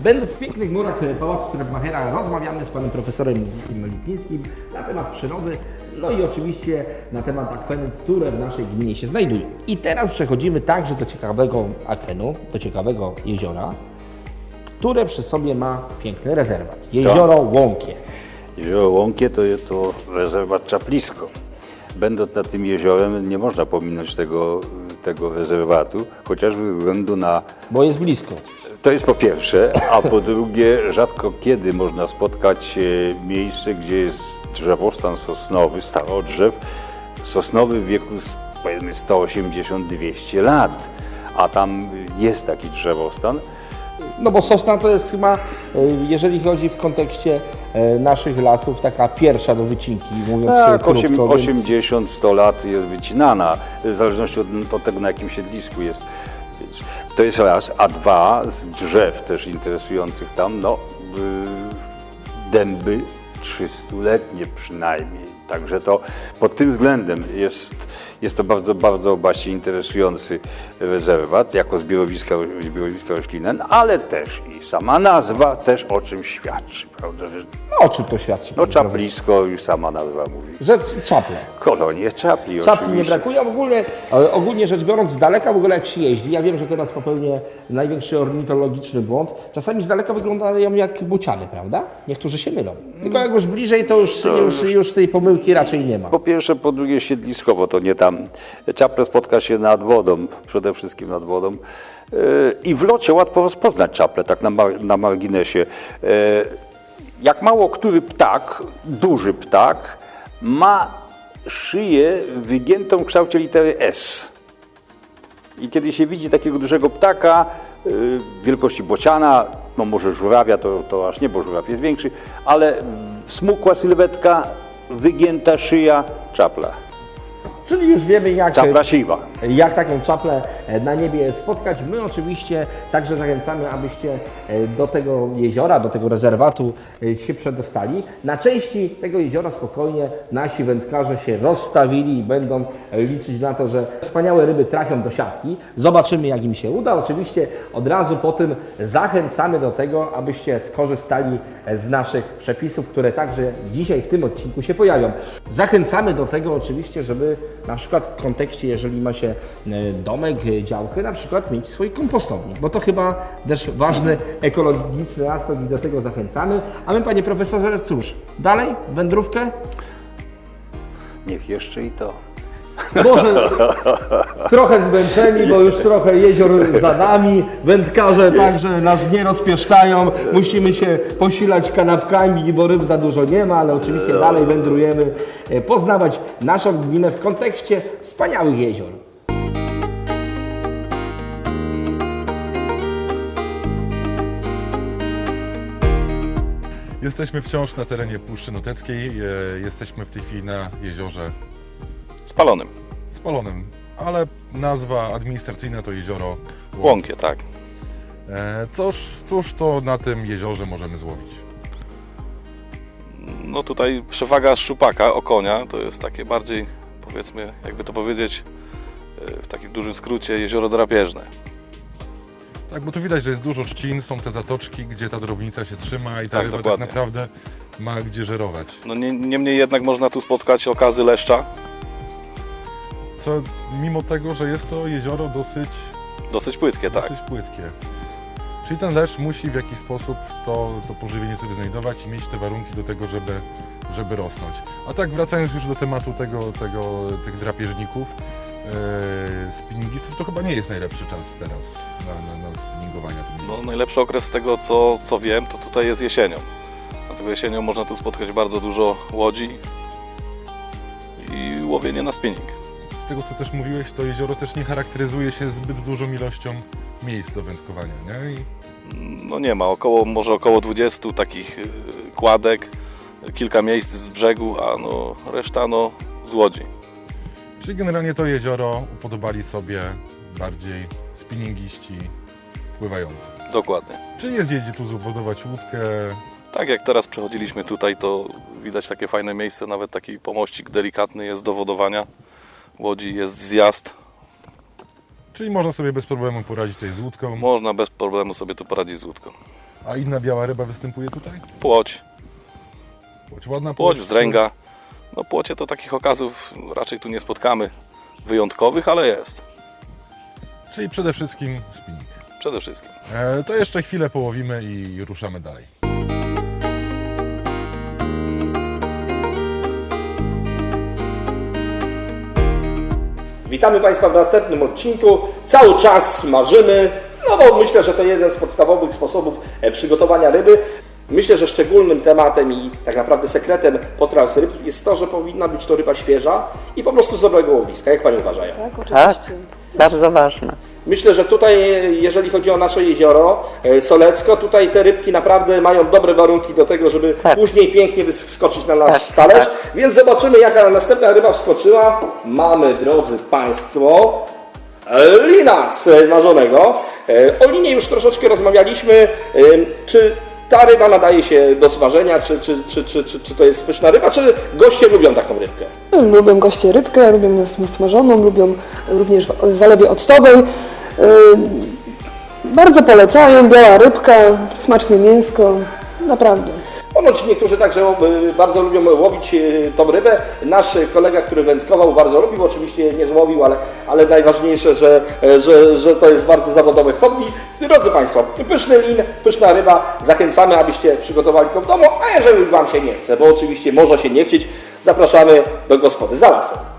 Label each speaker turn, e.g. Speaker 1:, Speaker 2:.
Speaker 1: Będąc w pięknych murach Pałacu Trepmachera, rozmawiamy z panem profesorem Lipińskim na temat przyrody, no i oczywiście na temat akwenów, które w naszej gminie się znajdują. I teraz przechodzimy także do ciekawego akwenu, do ciekawego jeziora, które przy sobie ma piękny rezerwat. Jezioro Łąkie.
Speaker 2: Jezioro Łąkie to rezerwat Czaplisko. Będąc nad tym jeziorem, nie można pominąć tego rezerwatu, chociażby ze względu na...
Speaker 1: Bo jest blisko.
Speaker 2: To jest po pierwsze, a po drugie rzadko kiedy można spotkać miejsce, gdzie jest drzewostan sosnowy, starodrzew, sosnowy w wieku powiedzmy 180-200 lat, a tam jest taki drzewostan.
Speaker 1: No bo sosna to jest chyba, jeżeli chodzi w kontekście naszych lasów, taka pierwsza do wycinki, mówiąc
Speaker 2: Tak,
Speaker 1: krótko.
Speaker 2: 80-100 lat jest wycinana, w zależności od tego, na jakim siedlisku jest. Więc to jest raz, a dwa, z drzew też interesujących tam, dęby 300-letnie przynajmniej. Także to pod tym względem jest to bardzo, bardzo właśnie interesujący rezerwat jako zbiorowiska roślinne, ale też i sama nazwa też o czym świadczy, prawda?
Speaker 1: No o czym to świadczy?
Speaker 2: No Czaplisko już sama nazwa mówi.
Speaker 1: Że czaple.
Speaker 2: Kolonie czapli
Speaker 1: Czapli
Speaker 2: oczywiście.
Speaker 1: nie brakuje, ogólnie rzecz biorąc z daleka w ogóle jak się jeździ, ja wiem, że teraz popełnię największy ornitologiczny błąd, czasami z daleka wyglądają jak bociany, prawda? Niektórzy się mylą. Tylko jak już bliżej, to już tej pomyłki raczej nie ma.
Speaker 2: Po pierwsze, po drugie siedliskowo, to nie tam. Czaple spotka się nad wodą, przede wszystkim nad wodą. I w locie łatwo rozpoznać czaple, tak na marginesie. Jak mało który ptak, duży ptak, ma szyję wygiętą w kształcie litery S. I kiedy się widzi takiego dużego ptaka, wielkości bociana, no może żurawia, to aż nie, bo żuraw jest większy, ale smukła sylwetka, wygięta szyja, czapla.
Speaker 1: Czyli już wiemy
Speaker 2: Czapla siwa.
Speaker 1: jak taką czaplę na niebie spotkać. My oczywiście także zachęcamy, abyście do tego jeziora, do tego rezerwatu się przedostali. Na części tego jeziora spokojnie nasi wędkarze się rozstawili i będą liczyć na to, że wspaniałe ryby trafią do siatki. Zobaczymy, jak im się uda. Oczywiście od razu po tym zachęcamy do tego, abyście skorzystali z naszych przepisów, które także dzisiaj w tym odcinku się pojawią. Zachęcamy do tego oczywiście, żeby na przykład w kontekście, jeżeli ma się domek, działkę, na przykład mieć swój kompostownik, bo to chyba też ważny ekologiczny aspekt i do tego zachęcamy. A my, panie profesorze, cóż, dalej wędrówkę?
Speaker 2: Niech jeszcze i to.
Speaker 1: Może trochę zmęczeni, bo już trochę jezior za nami, wędkarze także nas nie rozpieszczają, musimy się posilać kanapkami, bo ryb za dużo nie ma, ale oczywiście dalej wędrujemy, poznawać naszą gminę w kontekście wspaniałych jezior.
Speaker 3: Jesteśmy wciąż na terenie Puszczy Noteckiej, jesteśmy w tej chwili na jeziorze
Speaker 4: Spalonym.
Speaker 3: Spalonym, ale nazwa administracyjna to jezioro
Speaker 4: Łąkie, tak.
Speaker 3: Cóż to na tym jeziorze możemy złowić?
Speaker 4: No tutaj przewaga szczupaka, okonia, to jest takie bardziej, powiedzmy, jakby to powiedzieć, w takim dużym skrócie, jezioro drapieżne.
Speaker 3: Tak, bo tu widać, że jest dużo trzcin, są te zatoczki, gdzie ta drobnica się trzyma i ta
Speaker 4: Tak,
Speaker 3: ryba
Speaker 4: dokładnie.
Speaker 3: tak naprawdę ma gdzie żerować.
Speaker 4: No niemniej jednak można tu spotkać okazy leszcza,
Speaker 3: Co mimo tego, że jest to jezioro
Speaker 4: dosyć płytkie, tak.
Speaker 3: dosyć płytkie. Czyli ten leszcz musi w jakiś sposób to pożywienie sobie znajdować i mieć te warunki do tego, żeby rosnąć. A tak wracając już do tematu tych drapieżników, spinningistów, to chyba nie jest najlepszy czas teraz na spinningowanie.
Speaker 4: No najlepszy okres z tego, co wiem, to tutaj jest jesienią. Dlatego jesienią można tu spotkać bardzo dużo łodzi i łowienie na spinning.
Speaker 3: Z tego, co też mówiłeś, to jezioro też nie charakteryzuje się zbyt dużą ilością miejsc do wędkowania, nie?
Speaker 4: No nie ma, może około 20 takich kładek, kilka miejsc z brzegu, a no reszta z łodzi.
Speaker 3: Czyli generalnie to jezioro upodobali sobie bardziej spinningiści pływający.
Speaker 4: Dokładnie.
Speaker 3: Czyli jest gdzie tu zbudować łódkę.
Speaker 4: Tak jak teraz przechodziliśmy tutaj, to widać takie fajne miejsce, nawet taki pomościk delikatny jest do wodowania łodzi, jest zjazd.
Speaker 3: Czyli można sobie bez problemu poradzić tutaj z łódką.
Speaker 4: Można bez problemu sobie tu poradzić z łódką.
Speaker 3: A inna biała ryba występuje tutaj?
Speaker 4: Płoć,
Speaker 3: Ładna
Speaker 4: płoć, wzdręga. No płocie to takich okazów raczej tu nie spotkamy wyjątkowych, ale jest.
Speaker 3: Czyli przede wszystkim spinning.
Speaker 4: Przede wszystkim.
Speaker 3: To jeszcze chwilę połowimy i ruszamy dalej.
Speaker 1: Witamy Państwa w następnym odcinku. Cały czas smażymy, no bo myślę, że to jeden z podstawowych sposobów przygotowania ryby. Myślę, że szczególnym tematem i tak naprawdę sekretem potraw z ryb jest to, że powinna być to ryba świeża i po prostu z dobrego łowiska. Jak Pani uważają?
Speaker 5: Tak,
Speaker 6: Tak,
Speaker 5: oczywiście.
Speaker 6: bardzo ważne.
Speaker 1: Myślę, że tutaj, jeżeli chodzi o nasze jezioro Solecko, tutaj te rybki naprawdę mają dobre warunki do tego, żeby
Speaker 6: Tak.
Speaker 1: później pięknie wskoczyć na nasz
Speaker 6: Tak,
Speaker 1: talerz.
Speaker 6: tak.
Speaker 1: Więc zobaczymy, jaka następna ryba wskoczyła. Mamy, drodzy Państwo, lina smażonego. O linie już troszeczkę rozmawialiśmy. Czy ta ryba nadaje się do smażenia, czy to jest pyszna ryba, czy goście lubią taką rybkę?
Speaker 5: Lubią goście rybkę, lubią nas smażoną, lubią również w zalewie octowej. Bardzo polecają, biała rybka, smaczne mięsko, naprawdę.
Speaker 1: Ponoć niektórzy także bardzo lubią łowić tą rybę. Nasz kolega, który wędkował, bardzo lubił, oczywiście nie złowił, ale najważniejsze, że to jest bardzo zawodowe hobby. Drodzy Państwo, pyszny lin, pyszna ryba, zachęcamy, abyście przygotowali to w domu, a jeżeli Wam się nie chce, bo oczywiście może się nie chcieć, zapraszamy do gospody za lasem.